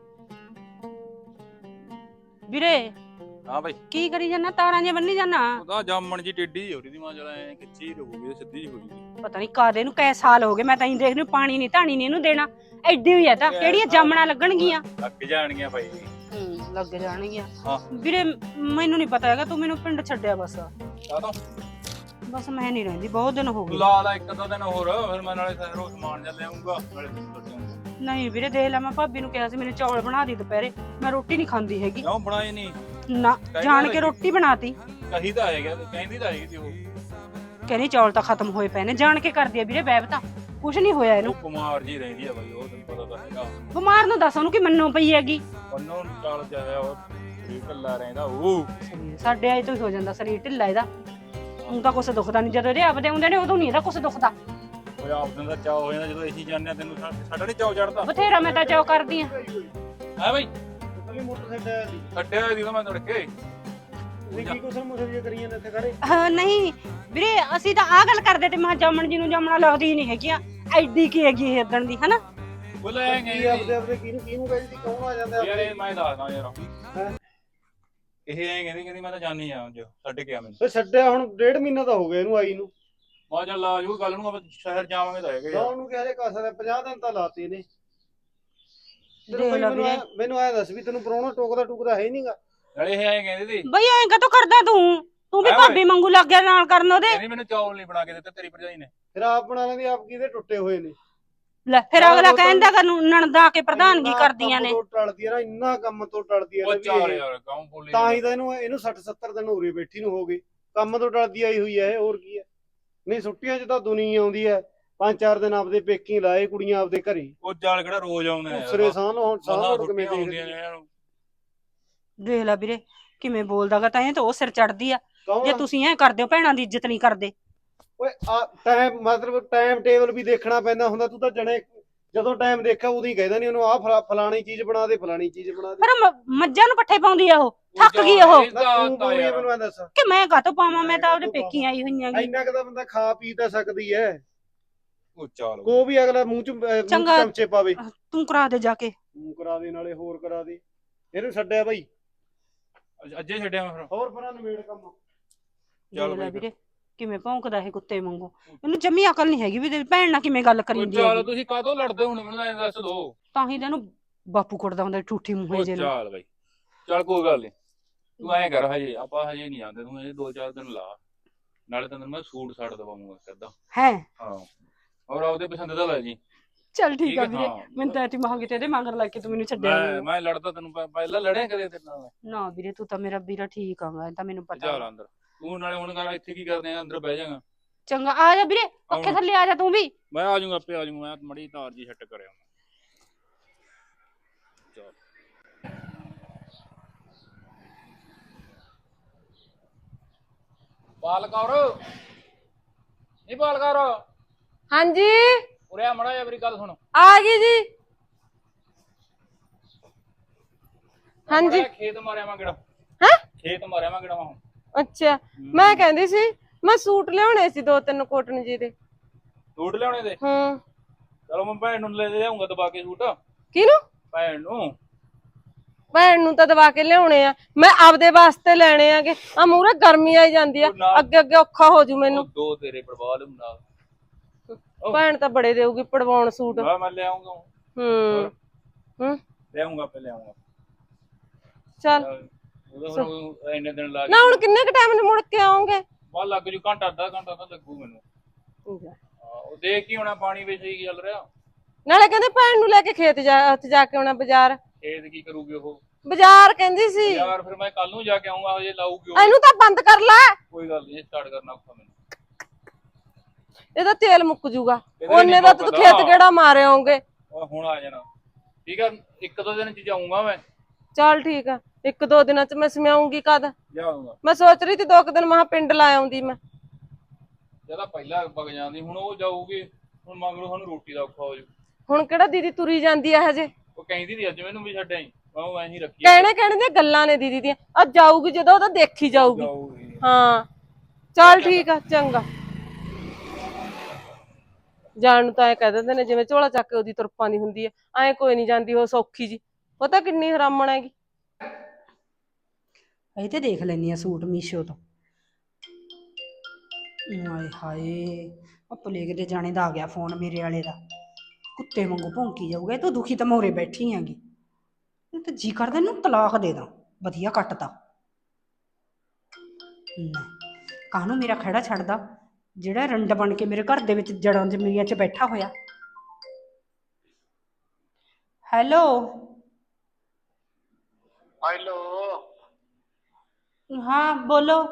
Speaker 1: ਵੀਰੇ
Speaker 4: ਹਾਂ ਬਾਈ
Speaker 1: ਕੀ ਕਰੀ ਜਾਣਾ ਤਾਰਾਂ ਜੇ ਬੰਨੀ ਜਾਣਾ
Speaker 4: ਉਹਦਾ ਜਾਮਣ ਜੀ ਟੇਢੀ ਹੋ ਰਹੀ ਦੀ ਮਾਂ ਚਲਾ ਐ ਕਿੱਚੀ ਰਹੂਗੀ ਸਿੱਧੀ ਹੋ ਗਈ
Speaker 1: ਪਤਾ ਨਹੀਂ ਕਾਦੇ ਨੂੰ ਕੈ ਸਾਲ ਹੋ ਗਏ ਮੈਂ ਤਾਂ ਹੀ ਦੇਖ ਰਹੀ ਪਾਣੀ ਨਹੀਂ ਧਾਣੀ ਨਹੀਂ ਇਹਨੂੰ ਦੇਣਾ ਐਡੀ ਹੋਈ ਆ ਤਾਂ ਕਿਹੜੀਆਂ ਜਾਮਣਾ ਲੱਗਣਗੀਆਂ
Speaker 4: ਲੱਗ ਜਾਣਗੀਆਂ ਬਾਈ
Speaker 1: ਹੂੰ ਲੱਗ ਜਾਣਗੀਆਂ
Speaker 4: ਹਾਂ
Speaker 1: ਵੀਰੇ ਮੈਨੂੰ ਨਹੀਂ ਪਤਾ ਹੈਗਾ ਤੂੰ ਮੈਨੂੰ ਪਿੰਡ ਛੱਡਿਆ ਬਸ
Speaker 4: ਕਾਹਤੋਂ
Speaker 1: ਬਸ ਮੈਂ ਨਹੀਂ ਰਹਿੰਦੀ ਬਹੁਤ ਦਿਨ ਹੋ ਗਏ
Speaker 4: ਲਾ ਲਾ ਇੱਕ ਦੋ ਦਿਨ ਹੋਰ ਫਿਰ ਮੈਂ ਨਾਲੇ ਸਹਿਰੋਂ ਸਮਾਨ ਜਾ ਲਿਆਉਂਗਾ ਨਾਲੇ ਬਿਸਕੁਟ ਲਿਆਉਂਗਾ
Speaker 1: ਨਹੀਂ ਵੀਰੇ ਦੇਖ ਲੈ ਮੈਂ ਭਾਬੀ ਨੂੰ ਕਿਹਾ ਸੀ ਮੈਨੂੰ ਚੌਲ ਬਣਾ ਦੀ ਦੁਪਹਿਰੇ ਮੈਂ ਰੋਟੀ ਨਹੀਂ ਖਾਂਦੀ ਹੈਗੀ
Speaker 4: ਕਿਉਂ ਬਣਾਏ ਨਹੀਂ
Speaker 1: ਨਾ ਜਾਣ ਕੇ ਰੋਟੀ ਬਣਾਤੀ
Speaker 4: ਕਹੀ ਤਾਂ ਹੈਗਾ ਕਹਿੰਦੀ ਤਾਂ ਹੈਗੀ ਸੀ ਉਹ
Speaker 1: ਕਹਿੰਦੀ ਚੌਲ ਤਾਂ ਖਤਮ ਹੋਏ ਪਏ ਨੇ ਜਾਣ ਕੇ ਕਰਦੀ ਆ ਵੀਰੇ ਬੈਬ ਤਾਂ ਕੁਝ ਨਹੀਂ ਹੋਇਆ ਇਹਨੂੰ
Speaker 4: ਉਹ ਕੁਮਾਰ ਜੀ ਰਹਿੰਦੀ ਆ ਬਾਈ ਉਹ ਤੈਨੂੰ ਪਤਾ ਤਾਂ ਹੈਗਾ
Speaker 1: ਬਿਮਾਰ ਨੂੰ ਦੱਸ ਉਹਨੂੰ ਕਿ ਮੰਨੋ ਪਈ ਹੈਗੀ
Speaker 4: ਉਹਨੂੰ ਚਾਲ ਜਾਇਆ ਉਹ ਸਰੀਰ ਢਿੱਲਾ ਰਹਿੰਦਾ ਉਹ
Speaker 1: ਸਾਡੇ ਆਏ ਤੋਂ ਹੀ ਹੋ ਜਾਂਦਾ ਸਰੀਰ ਢਿੱਲਾ ਇਹਦਾ ਹੁਣ ਤਾਂ ਕੁਛ ਦੁਖਦਾ ਨਹੀਂ ਜਦੋਂ ਇਹਦੇ ਆਪਦੇ ਆਉਂਦੇ ਨੇ ਉਦੋਂ ਨਹੀਂ ਇਹਦਾ ਕੁਛ ਦੁਖਦਾ
Speaker 4: ਉਹ ਆਪ ਦਿਨ ਦਾ ਚਾਅ ਹੋ ਜਾਂਦਾ ਜਦੋਂ ਅਸੀਂ ਜਾਂਦੇ ਆ ਤੈਨੂੰ ਸਾ- ਸਾਡਾ ਨਹੀਂ ਚਾਅ ਚੜਦਾ
Speaker 1: ਬਥੇਰਾ ਮੈਂ ਤਾਂ ਚਾਅ ਕਰਦੀ ਆ
Speaker 4: ਹੈ ਬਾਈ
Speaker 5: ਮੋਟਰਸਾਈਕਲ
Speaker 4: ਛੱਡਿਆ ਦੀ ਤਾਂ ਮੈਂ ਤੜਕੇ
Speaker 5: ਤੁਸੀਂ ਕੀ ਕੁਸਲ ਮੁਸਲ ਜੇ ਕਰੀਆਂ ਨੇ ਇੱਥੇ ਖੜੇ?
Speaker 1: ਹਾਂ ਨਹੀਂ ਵੀਰੇ ਅਸੀਂ ਤਾਂ ਆਹ ਗੱਲ ਕਰਦੇ ਤੇ ਮੈਂ ਕਿਹਾ ਜਾਮਣ ਜੀ ਨੂੰ ਜਾਮਣਾ ਲੱਗਦੀ ਨਹੀਂ ਹੈਗੀਆਂ ਐਡੀ ਕੀ ਹੈਗੀ ਇਹ ਇਦਣ ਦੀ ਹਨਾ
Speaker 3: ਬੁਲਾਏਂਗੇ
Speaker 5: ਕੀ ਆਪਦੇ ਆਪਦੇ ਕਿਹਨੂੰ ਕਿਹਨੂੰ ਕਹਿੰਦੀ ਕੌਣ ਆ ਜਾਂਦਾ
Speaker 3: ਯਾਰ
Speaker 5: ਆਪਦੇ?
Speaker 3: ਇਹ ਮੈਂ ਦੱਸਦਾ ਯਾਰ
Speaker 5: ਹੈਂ?
Speaker 3: ਇਹ ਐਂ ਕਹਿੰਦੀ ਕਹਿੰਦੀ ਮੈਂ ਤਾਂ ਜਾਣੀ ਆ ਅੱਜ ਛੱਡ ਕੇ ਆ ਮੈਨੂੰ
Speaker 5: ਓਏ ਛੱਡਿਆ ਹੁਣ ਡੇਢ ਮਹੀਨਾ ਤਾਂ ਹੋ ਗਿਆ ਇਹਨੂੰ ਆਈ ਨੂੰ।
Speaker 3: ਮੈਂ ਚੱਲ ਆ ਜੂ ਕੱਲ ਨੂੰ ਆਪਾਂ ਸ਼ਹਿਰ ਜਾਵਾਂਗੇ ਤਾਂ ਹੈਗੇ ਯਾਰ।
Speaker 5: ਲਾਉਣ ਨੂੰ ਕਿਹੜੇ ਕਸਰ ਪੰਜਾਹ ਦਿਨ ਤਾਂ ਲਾਤੇ ਨੇ। ਤੈਨੂੰ
Speaker 1: ਦੇਖ
Speaker 5: ਬਈ
Speaker 1: ਲਾ
Speaker 5: ਮੈਨੂੰ
Speaker 1: ਵੀਰੇ।
Speaker 5: ਐਂ- ਮੈਨੂੰ ਐ ਦੱਸ ਵੀ ਤੈਨੂੰ ਪਰੋਣਾ ਟੋਕਦਾ ਟੁਕਦਾ ਹੈ ਨਹੀਂਗਾ।
Speaker 3: ਨਾਲੇ ਇਹ ਐਂ ਕਹਿੰਦੀ ਸੀ
Speaker 1: ਬਈ ਐਂ ਕਦੋਂ ਕਰਦਾ ਤੂੰ ਤੂੰ ਵੀ
Speaker 3: ਐ ਓਏ।
Speaker 1: ਭਾਬੀ ਵਾਂਗੂ ਲੱਗ ਗਿਆ ਨਾਲ ਕਰਨ ਉਹਦੇ
Speaker 3: ਕਹਿੰਦੀ ਮੈਨੂੰ ਚੌਲ ਨਹੀਂ ਬਣਾ ਕੇ ਦਿੱਤੇ ਤੇਰੀ ਭਰਜਾਈ ਨੇ।
Speaker 5: ਫਿਰ ਆਪ ਬਣਾ ਲੈਂਦੀ ਆਪ ਕਿਹਦੇ ਟੁੱਟੇ ਹੋਏ ਨੇ।
Speaker 1: ਲੈ ਫਿਰ
Speaker 5: ਯਾਰ
Speaker 1: ਅਗਲਾ
Speaker 5: ਉਹ ਤਾਂ-
Speaker 1: ਕਹਿੰਦਾ ਕਿ ਨਣਦਾ ਕੇ ਪ੍ਰਧਾਨਗੀ
Speaker 5: ਇੰਨਾ
Speaker 1: ਕਰਦੀਆਂ ਨੇ
Speaker 5: ਕੰਮ ਤੋਂ ਟਲਦੀ ਆ ਨਾ ਇੰਨਾ ਕੰਮ ਤੋਂ ਟਲਦੀ ਆ
Speaker 3: ਉਹ
Speaker 5: ਨਾ
Speaker 3: ਚਾਰ
Speaker 5: ਵੀ ਇਹ-
Speaker 3: ਯਾਰ ਕੌਣ ਬੋਲੀ
Speaker 5: ਤਾਂ ਹੀ ਤਾਂ ਇਹਨੂੰ ਇਹਨੂੰ ਸੱਠ ਸੱਤਰ ਦਿਨ ਉਰੇ ਬੈਠੀ ਨੂੰ ਹੋ ਗਏ। ਕੰਮ ਤੋਂ ਟਲਦੀ ਆਈ ਹੋਈ ਹੈ ਇਹ, ਹੋਰ ਕੀ ਹੈ। ਨਹੀਂ ਛੁੱਟੀਆਂ 'ਚ ਤਾਂ ਦੁਨੀਆ ਆਉਂਦੀ ਹੈ ਪੰਜ ਚਾਰ ਦਿਨ ਆਪਦੇ ਪੇਕੀ ਲਾਏ ਕੁੜੀਆਂ ਆਪਦੇ ਘਰੇ।
Speaker 3: ਉਹ ਚਾਲ ਕਿਹੜਾ ਰੋਜ਼ ਆਉਂਦੇ ਨੇ
Speaker 5: ਉਸਰੇ ਸਾਹ ਨੂੰ ਹੁਣ ਸਾਹ
Speaker 3: ਸਾਹ
Speaker 5: ਨੂੰ ਕਿਵੇਂ
Speaker 3: ਹੁੰਦੀਆਂ
Speaker 5: ਦੇਖਦੀ
Speaker 3: ਨੇ ਇਹਨਾਂ ਨੂੰ।
Speaker 1: ਦੇਖ ਲੈ ਵੀਰੇ ਕਿਵੇਂ ਬੋਲਦਾਗਾ ਤਾਂ ਇਹ ਤਾਂ ਉਹ ਸਿਰ ਚੜਦੀ ਆ
Speaker 5: ਕੌਣ
Speaker 1: ਜੇ
Speaker 5: ਆ?
Speaker 1: ਤੁਸੀਂ ਐ ਕਰਦੇ ਹੋ ਭੈਣਾਂ ਦੀ ਇੱਜ਼ਤ ਨਹੀਂ ਕਰਦੇ
Speaker 5: ਓਏ ਆ ਟਾਈਮ ਮਤਲਬ ਟਾਈਮ ਟੇਬਲ ਵੀ ਦੇਖਣਾ ਪੈਂਦਾ ਹੁੰਦਾ। ਤੂੰ ਤਾਂ ਜਣੇ ਜਦੋਂ ਟਾਈਮ ਦੇਖਿਆ ਉਦੋਂ ਹੀ ਕਹਿੰਦਾ ਨਹੀਂ ਉਹਨੂੰ ਆਹ ਫਲਾਣੀ ਚੀਜ਼ ਬਣਾ ਦੇ ਫਲਾਣੀ ਚੀਜ਼ ਬਣਾ ਦੇ।
Speaker 1: ਪਰ ਮ- ਮੱਝਾਂ ਨੂੰ ਪੱਠੇ ਪਾਉਂਦੀ ਆ ਉਹ ਥੱਕ
Speaker 3: ਉਹ
Speaker 1: ਗਈ
Speaker 3: ਚਾਲ
Speaker 1: ਉਹ
Speaker 3: ਇਹ
Speaker 5: ਨਾ
Speaker 3: ਤਾਂ
Speaker 5: ਤੂੰ
Speaker 3: ਤਾਂ
Speaker 5: ਬੋਲੀ
Speaker 3: ਯਾਰ।
Speaker 5: ਮੈਨੂੰ ਐਂ ਦੱਸ
Speaker 1: ਕਿ ਮੈਂ ਕਾਹਤੋਂ ਪਾਵਾਂ ਮੈਂ ਤਾਂ ਉਹਦੇ ਪੇਕੀ ਆਈ ਹੋਈਆਂ ਗੀ
Speaker 5: ਇੰਨਾ ਕੁ ਤਾਂ ਬੰਦਾ ਖਾ ਪੀ ਤਾਂ ਸਕਦੀ ਹੈ।
Speaker 3: ਉਹ ਚਾਲ
Speaker 5: ਕੋ ਵੀ ਅਗਲਾ ਮੂੰਹ ਚ ਅਹ, ਮੂੰਹ ਚ
Speaker 1: ਚੰਗਾ।
Speaker 5: ਚਮਚੇ ਪਾਵੇ।
Speaker 1: ਤੂੰ ਕਰਾ ਦੇ ਜਾ ਕੇ
Speaker 5: ਤੂੰ ਕਰਾ ਦੇ ਨਾਲੇ ਹੋਰ ਕਰਾ ਦੇ। ਇਹਨੂੰ ਛੱਡਿਆ ਬਾਈ
Speaker 3: ਅੱਜੇ ਛੱਡਿਆ ਮੈਂ ਫਿਰ
Speaker 5: ਹੋਰ ਪਰਾਂ ਨਵੇੜ ਕੰਮ।
Speaker 3: ਚੱਲ
Speaker 1: ਦੇਖ ਲੈ
Speaker 3: ਬਈ
Speaker 1: ਵੀਰੇ ਕਿਵੇਂ ਭੌਂਕਦਾ ਇਹ ਕੁੱਤੇ ਵਾਂਗੂ ਇਹਨੂੰ ਜੰਮੀ ਅਕਲ ਨਹੀਂ ਹੈਗੀ ਵੀ ਤੇਰੀ ਭੈਣ ਨਾਲ ਕਿਵੇਂ ਗੱਲ
Speaker 3: ਉਹ
Speaker 1: ਕਰੀਂਦੀ
Speaker 3: ਚਾਲ
Speaker 1: ਹੈ
Speaker 3: ਤੁਸੀਂ ਕਾਹਤੋਂ ਲੜਦੇ ਹੁਣ ਮੈਨੂੰ ਐਂ ਦੱਸ ਦੋ।
Speaker 1: ਤਾਂ ਹੀ ਤੈਨੂੰ ਬਾਪੂ ਕੁੱਟਦਾ ਹੁੰਦਾ ਠੂਠੀ ਮੂੰਹੇ
Speaker 3: ਉਹ
Speaker 1: ਜੇ ਨੂੰ
Speaker 3: ਚਾਲ ਬਈ ਚੱਲ ਕੋਈ ਗੱਲ ਨਹੀਂ ਤੂੰ ਐਂ ਕਰ ਹਜੇ ਆਪਾਂ ਹਜੇ ਨਹੀਂ ਜਾਂਦੇ ਤੂੰ ਹਜੇ ਦੋ ਚਾਰ ਦਿਨ ਲਾ ਨਾਲੇ ਤੈਨੂੰ ਮੈਂ ਸੂਟ ਸਾੜ ਦਵਾਉਂਗਾ ਕਿੱਦਾਂ।
Speaker 1: ਹੈ
Speaker 3: ਹਾਂ ਔਰ ਆਪਦੇ ਪਸੰਦ ਦਾ ਲੈ ਜੀ।
Speaker 1: ਚੱਲ ਠੀਕ
Speaker 3: ਠੀਕ
Speaker 1: ਆ
Speaker 3: ਹੈ,
Speaker 1: ਵੀਰੇ
Speaker 3: ਹਾਂ।
Speaker 1: ਮੈਨੂੰ ਤਾਂ ਐਤੀ ਮਹਾਂਗੀ ਤੇ ਇਹਦੇ ਮਗਰ ਲੱਗ ਕੇ ਤੂੰ ਮੈਨੂੰ ਛੱਡਿਆ
Speaker 3: ਮੈਂ
Speaker 1: ਨੀ।
Speaker 3: ਮੈਂ ਲੜਦਾ ਤੈਨੂੰ ਪ- ਪਹਿਲਾਂ ਲੜਿਆ ਕਦੇ ਤੇਰੇ ਨਾਲ ਮੈਂ।
Speaker 1: ਨਾ ਵੀਰੇ ਤੂੰ ਤਾਂ ਮੇਰਾ ਵੀਰਾ ਠੀਕ ਆਗਾ ਇਹ ਤਾਂ ਮੈਨੂੰ ਪਤਾ
Speaker 3: ਚੱਲ ਅੰਦਰ ਤੂੰ ਨਾਲੇ ਹੁਣ ਕਰ ਇੱਥੇ ਕੀ ਕਰਦੇ ਆ ਅੰਦਰ ਬਹਿ ਜਾਗਾ।
Speaker 1: ਚੰਗਾ ਆ ਜਾ ਵੀਰੇ ਪੱਖੇ
Speaker 3: ਆਉਣਾ।
Speaker 1: ਥੱਲੇ ਆ ਜਾ ਤੂੰ ਵੀ
Speaker 3: ਮੈਂ ਆ ਜਾਊਂਗਾ ਆਪੇ ਆ ਜਾਊਂਗਾ ਮੈਂ ਮੜੀ ਤਾਰ ਜੀ ਛੱਟ ਕਰਿਆ ਚੱਲ ਬਾਲਕੌਰ ਨਹੀਂ ਬਾਲਕੌਰ
Speaker 2: ਹਾਂਜੀ
Speaker 3: ਉਰੇ ਆ ਮੜਾ ਜਾ ਮੇਰੀ ਗੱਲ ਸੁਣ।
Speaker 2: ਆ ਗਈ ਜੀ। ਹਾਂਜੀ
Speaker 3: ਮਾੜਾ ਜਿਹਾ ਖੇਤ ਮਾਰਿਆ ਮੈਂ ਕਿਹੜਾ
Speaker 2: ਹੈਂ?
Speaker 3: ਖੇਤ ਮਾਰਿਆ ਮੈਂ ਕਿਹੜਾ ਹੁਣ
Speaker 2: ਅੱਛਾ ਮੈਂ ਕਹਿੰਦੀ ਸੀ ਮੈਂ ਸੂਟ ਲਿਆਉਣੇ ਸੀ ਦੋ ਤਿੰਨ ਕੋਟਨ ਜੀ ਦੇ।
Speaker 3: ਸੂਟ ਲਿਆਉਣੇ ਦੇ
Speaker 2: ਹੂੰ
Speaker 3: ਚਲੋ ਮੈਂ ਭੈਣ ਨੂੰ ਲੈ ਜਾਊਂਗਾ ਦਬਾ ਕੇ ਸੂਟ
Speaker 2: ਕਿਹਨੂੰ?
Speaker 3: ਭੈਣ ਨੂੰ।
Speaker 2: ਭੈਣ ਨੂੰ ਤਾਂ ਦਵਾ ਕੇ ਲਿਆਉਣੇ ਆ ਮੈਂ ਆਪਦੇ ਵਾਸਤੇ ਲੈਣੇ ਆਗੇ ਆ ਮੂਰੇ ਗਰਮੀ ਆਈ ਜਾਂਦੀ ਆ
Speaker 3: ਉਹ ਨਾਲ-
Speaker 2: ਅੱਗੇ ਅੱਗੇ ਔਖਾ ਹੋ ਜੂ
Speaker 3: ਉਹ
Speaker 2: ਮੈਨੂੰ।
Speaker 3: ਦੋ ਤੇਰੇ ਪਰਵਾਹ ਨਾਲ ਉਹ-
Speaker 2: ਭੈਣ ਤਾਂ ਬੜੇ ਦੇਊਗੀ ਪੜਵਾਉਣ ਸੂਟ।
Speaker 3: ਮੈਂ ਮੈਂ ਲਿਆਉਂਗਾ
Speaker 2: ਹੂੰ ਹੂੰ
Speaker 3: ਲਿਆਉਂਗਾ ਆਪੇ ਲਿਆਉਂਗਾ।
Speaker 2: ਚੱਲ
Speaker 3: ਉਹਦਾ ਹੁਣ ਇੰਨੇ ਦਿਨ ਲਾ ਕੇ
Speaker 2: ਨਾ ਹੁਣ ਕਿੰਨੇ ਕ ਟਾਈਮ ਨੂੰ ਮੁੜ ਕੇ ਆਉਂਗੇ?
Speaker 3: ਬਾਅਦ ਲੱਗ ਜੂ ਘੰਟਾ ਅੱਧਾ ਘੰਟਾ ਤਾਂ ਲੱਗੂ ਮੈਨੂੰ। ਹਾਂ, ਉਹ ਦੇਖ ਕੀ ਹੋਣਾ ਪਾਣੀ ਵਿੱਚ ਹੀ ਚੱਲ ਰਿਹਾ।
Speaker 2: ਨਾਲੇ ਕਹਿੰਦੇ ਭੈਣ ਨੂੰ ਲੈ ਕੇ ਖੇਤ ਜਾ ਉੱਥੇ ਜਾ ਕੇ ਆਉਣਾ ਬਾਜ਼ਾਰ।
Speaker 3: ਖੇਤ ਕੀ ਕਰੂਗੀ ਉਹ
Speaker 2: ਬਾਜ਼ਾਰ ਕਹਿੰਦੀ ਸੀ
Speaker 3: ਯਾਰ ਫਿਰ ਮੈਂ ਕੱਲ ਨੂੰ ਜਾ ਕੇ ਆਉਂਗਾ ਹਜੇ ਲਾਊਗੀ ਉਹ।
Speaker 2: ਇਹਨੂੰ ਤਾਂ ਬੰਦ ਕਰ ਲੈ
Speaker 3: ਕੋਈ ਗੱਲ ਨਹੀਂ ਸਟਾਰਟ ਕਰਨਾ ਔਖਾ ਮੈਨੂੰ।
Speaker 2: ਇਹਦਾ ਤੇਲ ਮੁੱਕ ਜੂਗਾ
Speaker 3: ਇਹਦਾ
Speaker 2: ਉਹਨੇ
Speaker 3: ਨੀ
Speaker 2: ਦਾ ਤੂੰ
Speaker 3: ਮੁੱਕਦਾ।
Speaker 2: ਖੇਤ ਕਿਹੜਾ ਮਾਰੇ ਆਉਂਗੇ।
Speaker 3: ਉਹ ਹੁਣ ਆ ਜਾਣਾ ਠੀਕ ਆ ਇੱਕ ਦੋ ਦਿਨ ਚ ਜਾਊਂਗਾ ਮੈਂ
Speaker 2: ਚੱਲ ਠੀਕ ਆ ਇੱਕ ਦੋ ਦਿਨਾਂ ਚ ਮੈਂ ਸਮਿਆਉਂਗੀ ਕਦ?
Speaker 3: ਜਾਊਂਗਾ
Speaker 2: ਮੈਂ ਸੋਚ ਰਹੀ ਸੀ ਦੋ ਕੁ ਦਿਨ ਮਹਾ ਪਿੰਡ ਲਾ ਆਉਂਦੀ ਮੈਂ।
Speaker 3: ਜਦੋਂ ਪਹਿਲਾਂ ਵਗ ਜਾਂਦੀ ਹੁਣ ਉਹ ਜਾਊਗੀ ਹੁਣ ਮਗਰੋਂ ਸਾਨੂੰ ਰੋਟੀ ਦਾ ਔਖਾ ਹੋ ਜੂ।
Speaker 2: ਹੁਣ ਕਿਹੜਾ ਦੀਦੀ ਤੁਰੀ ਜਾਂਦੀ ਆ ਹਜੇ।
Speaker 3: ਉਹ ਕਹਿੰਦੀ ਸੀ ਅੱਜ ਮੈਨੂੰ ਵੀ ਛੱਡਿਆ ਹੀ ਮੈਂ ਉਹ ਐਂ ਹੀ ਰੱਖੀ
Speaker 2: ਕਹਿਣੇ ਕਹਿਣੇ ਦੀਆਂ ਗੱਲਾਂ ਨੇ ਦੀਦੀ ਦੀਆਂ ਆ ਜਾਊਗੀ ਜਦੋਂ ਉਹਦਾ ਦੇਖੀ ਜਾਊਗੀ।
Speaker 3: ਜਾਊਗੀ।
Speaker 2: ਹਾਂ ਚੱਲ ਠੀਕ ਆ ਚੰਗਾ। ਜਾਣ ਨੂੰ ਤਾਂ ਐ ਕਹਿ ਦਿੰਦੇ ਨੇ ਜਿਵੇਂ ਝੋਲਾ ਚੱਕ ਕੇ ਉਹਦੀ ਤੁਰਪਾਂ ਦੀ ਹੁੰਦੀ ਐ ਐ ਕੋਈ ਨਹੀਂ ਜਾਂਦੀ ਉਹ ਸੌਖੀ ਜੀ ਪਤਾ ਕਿੰਨੀ ਹਰਾਮਣ ਹੈਗੀ।
Speaker 1: ਇਹ ਤੇ ਦੇਖ ਲੈਣੀ ਆ ਸੂਟ ਮੀਸ਼ੋ ਤੋਂ। ਹਾਏ ਹਾਏ ਉਹ ਪਲੇਗ ਦੇ ਜਾਣੇ ਦਾ ਆ ਗਿਆ ਫੋਨ ਮੇਰੇ ਵਾਲੇ ਦਾ ਕੁੱਤੇ ਵਾਂਗੂ ਭੌਂਕੀ ਜਾਊਗਾ। ਇਹ ਤੂੰ ਦੁਖੀ ਤਾਂ ਮੋਰੇ ਬੈਠੀ ਹੈਗੀ ਇਹ ਤਾਂ ਜੀ ਕਰਦਾ ਇਹਨੂੰ ਤਲਾਕ ਦੇ ਦਾਂ ਵਧੀਆ ਕੱਟਦਾ। ਲੈ ਕਾਹਨੂੰ ਮੇਰਾ ਖੜਾ ਛੱਡਦਾ ਜਿਹੜਾ ਰੰਡ ਬਣ ਕੇ ਮੇਰੇ ਘਰ ਦੇ ਵਿੱਚ ਜੜਾਂ ਜ਼ਮੀਨਾਂ 'ਚ ਬੈਠਾ ਹੋਇਆ। ਹੈਲੋ
Speaker 6: ਹੈਲੋ
Speaker 1: ਹਾਂ ਬੋਲੋ।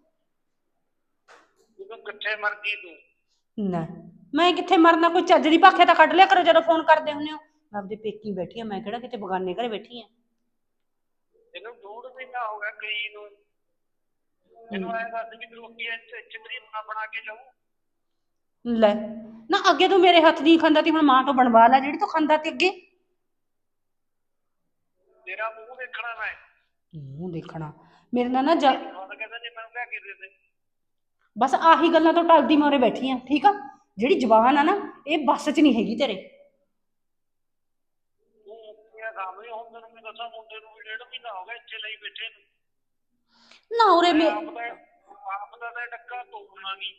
Speaker 6: ਤੂੰ ਕਿੱਥੇ ਮਰ ਗਈ ਤੂੰ?
Speaker 1: ਨਾ ਮੈਂ ਕਿੱਥੇ ਮਰਨਾ ਕੋਈ ਚੱਜ ਦੀ ਭਾਖੇ ਤਾਂ ਕੱਢ ਲਿਆ ਕਰੋ ਜਦੋਂ ਫੋਨ ਕਰਦੇ ਹੁੰਦੇ ਹੋ। ਮੈਂ ਆਪਦੇ ਪੇਕੀ ਬੈਠੀ ਆ ਮੈਂ ਕਿਹੜਾ ਕਿਤੇ ਬਗਾਨੇ ਘਰੇ ਬੈਠੀ ਆ।
Speaker 6: ਤੈਨੂੰ ਡੂਢ ਮਹੀਨਾ ਹੋ ਗਿਆ ਗਈ ਨੂੰ। ਮੈਨੂੰ ਐਂ ਦੱਸ ਵੀ ਰੋਟੀ ਇੱਥੇ ਚਿੱਤਰੀ ਬਣਾ ਬਣਾ ਕੇ ਜਾਊ।
Speaker 1: ਲੈ ਨਾ ਅੱਗੇ ਤੂੰ ਮੇਰੇ ਹੱਥ ਦੀ ਖਾਂਦਾ ਤੀ ਹੁਣ ਮਾਂ ਤੋਂ ਬਣਵਾ ਲੈ ਜਿਹੜੀ ਤੂੰ ਖਾਂਦਾ ਤੀ ਅੱਗੇ।
Speaker 6: ਤੇਰਾ ਮੂੰਹ ਦੇਖਣਾ ਮੈਂ
Speaker 1: ਮੂੰਹ ਦੇਖਣਾ ਮੇਰੇ ਨਾਲ ਨਾ ਜਾ
Speaker 6: ਹੁਣ ਕਹਿੰਦਾ ਨਹੀਂ ਮੈਨੂੰ ਲੈ ਕੇ ਦੇ ਦੇ।
Speaker 1: ਬਸ ਆਹੀ ਗੱਲਾਂ ਤੋਂ ਟਲਦੀ ਮੋਰੇ ਬੈਠੀ ਆ ਠੀਕ ਆ। ਜਿਹੜੀ ਜ਼ਬਾਨ ਆ ਨਾ ਇਹ ਬੱਸ 'ਚ ਨਹੀਂ ਹੈਗੀ ਤੇਰੇ।
Speaker 6: ਤੂੰ ਇਹ ਕੰਮ ਨਹੀਂ ਹੁਣ ਤੈਨੂੰ ਮੈਂ ਦੱਸਾਂ ਮੁੰਡੇ ਨੂੰ ਵੀ ਡੇਢ ਮਹੀਨਾ ਹੋ ਗਿਆ ਇੱਥੇ ਲਈ ਬੈਠੇ ਨੂੰ।
Speaker 1: ਨਾ ਉਰੇ ਮੇ
Speaker 6: ਆਪ ਦਾ ਆਪ ਦਾ ਤਾਂ ਟੱਕਾ ਤੋੜਨਾ ਨਹੀਂ।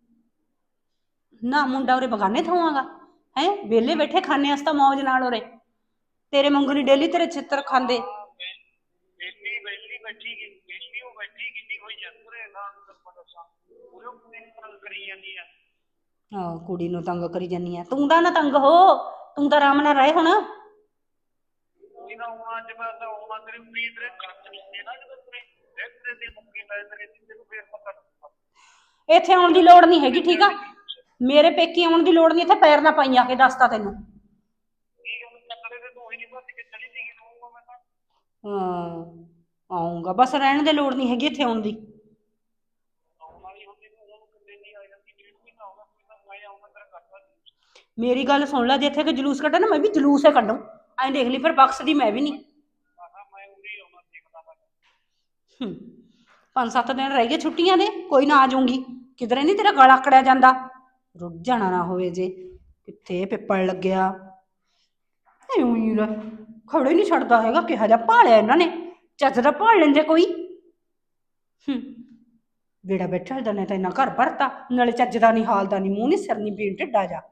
Speaker 1: ਨਾ ਮੁੰਡਾ ਉਰੇ ਬਗਾਨੇ ਥਾਵਾਂਗਾ ਹੈ ਵਿਹਲੇ ਬੈਠੇ ਖਾਣੇ ਵਾਸਤਾ ਮੌਜ ਨਾਲ ਉਰੇ ਤੇਰੇ ਵਾਂਗੂ ਨਹੀਂ ਡੇਲੀ ਤੇਰੇ ਛਿੱਤਰ ਖਾਂਦੇ।
Speaker 6: ਬੇਲੀ ਬੇਲੀ ਬੈਠੀ ਗਈ ਬੇਲੀ ਉਹ ਬੈਠੀ ਕਿੰਨੀ ਹੋਈ ਆ ਪੂਰੇ ਨਾਲ ਨੂੰ ਦੱਸਾਂ ਪੂਰੇ ਕੁੜੀ ਨੂੰ ਤੰਗ ਕਰੀ ਜਾਂਦੀ ਆ।
Speaker 1: ਆਹ ਕੁੜੀ ਨੂੰ ਤੰਗ ਕਰੀ ਜਾਨੀ ਆ ਤੂੰ ਤਾਂ ਨਾ ਤੰਗ ਹੋ ਤੂੰ ਤਾਂ ਆਰਾਮ ਨਾਲ ਰਹੇ ਹੁਣ।
Speaker 6: ਕੋਈ ਨਾ ਹੁਣ ਅੱਜ ਮੈਂ ਤਾਂ ਹੁਣ ਤੇਰੀ ਉਮੀਦ ਤੇਰੇ ਕੱਚ ਨਹੀਂ ਨਾ ਜਦੋਂ ਤੇਰੇ ਦੇਖਦੇ ਦੀ ਮੁੱਕੀ ਲੈ ਤੇਰੇ ਤੈਨੂੰ ਫੇਰ ਪਤਾ ਲੱਗੂਗਾ।
Speaker 1: ਇੱਥੇ ਆਉਣ ਦੀ ਲੋੜ ਨਹੀਂ ਹੈਗੀ ਠੀਕ ਆ। ਮੇਰੇ ਪੇਕੀ ਆਉਣ ਦੀ ਲੋੜ ਨਹੀਂ ਇੱਥੇ ਪੈਰ ਨਾ ਪਾਈ ਆ ਕੇ ਦੱਸਤਾ ਤੈਨੂੰ।
Speaker 6: ਕੀ ਗੱਲ ਚੱਕਰੇ ਤੇ ਤੂੰ ਹੀ ਨਹੀਂ ਭੱਜ ਕੇ ਚਲੀ ਸੀਗੀ ਤੂੰ ਮੈਂ ਤਾਂ।
Speaker 1: ਹਾਂ ਆਉਂਗਾ ਬਸ ਰਹਿਣ ਦੇ ਲੋੜ ਨਹੀਂ ਹੈਗੀ ਇੱਥੇ ਆਉਣ ਦੀ।
Speaker 6: ਆਉਣ ਵਾਲੀ ਹੁੰਦੀ ਤੂੰ ਹੁਣ ਕਿੰਨੇ ਨਹੀਂ ਆ ਜਾਂਦੀ ਡੇਢ ਮਹੀਨਾ ਹੋ ਗਿਆ ਕੋਈ ਨਾ ਮੈਂ ਆਉਂਗਾ ਤੇਰਾ ਕਰਦਾ।
Speaker 1: ਮੇਰੀ ਗੱਲ ਸੁਣ ਲੈ ਜੇ ਇੱਥੇ ਕੋਈ ਜਲੂਸ ਕੱਢੇ ਨਾ ਮੈਂ ਵੀ ਜਲੂਸ ਹੀ ਕੱਢੂ ਐਂ ਦੇਖ ਲਈ ਫਿਰ ਬਖਸ਼ਦੀ ਮੈਂ ਵੀ ਨਹੀਂ।
Speaker 6: ਆਹਾ ਮੈਂ ਉਰੀ ਆਉਣਾ ਦੇਖਦਾ ਮੈਂ।
Speaker 1: ਹੂੰ ਪੰਜ ਸੱਤ ਦਿਨ ਰਹਿ ਗਏ ਛੁੱਟੀਆਂ ਦੇ ਕੋਈ ਨਾ ਆ ਜਾਊਂਗੀ ਕਿਧਰੇ ਨਹੀਂ ਤੇਰਾ ਗਲ ਆਕੜਿਆ ਜਾਂਦਾ ਰੁੱਝ ਜਾਣਾ ਨਾ ਹੋਵੇ ਜੇ ਕਿੱਥੇ ਪਿੱਪਲ ਲੱਗਿਆ ਐਉਂ ਹੀ ਖੜੇ ਨਹੀਂ ਛੱਡਦਾ ਹੈਗਾ ਕਿਹਾ ਜਾ ਭਾਲਿਆ ਇਹਨਾਂ ਨੇ ਚੱਜ ਦਾ ਭਾਲ ਲੈਂਦੇ ਕੋਈ। ਹੂੰ ਬੇੜਾ ਬੈਠਾ ਦਾ ਨੇ ਤਾਂ ਇੰਨਾ ਘਰ ਭਰਤਾ ਨਾਲੇ ਚੱਜ ਦਾ ਨਹੀਂ ਹਾਲ ਦਾ ਨਹੀਂ ਮੂੰਹ ਨਹੀਂ ਸਿਰ ਨਹੀਂ ਪੀਣ ਢਿੱਡਾ ਜਾ।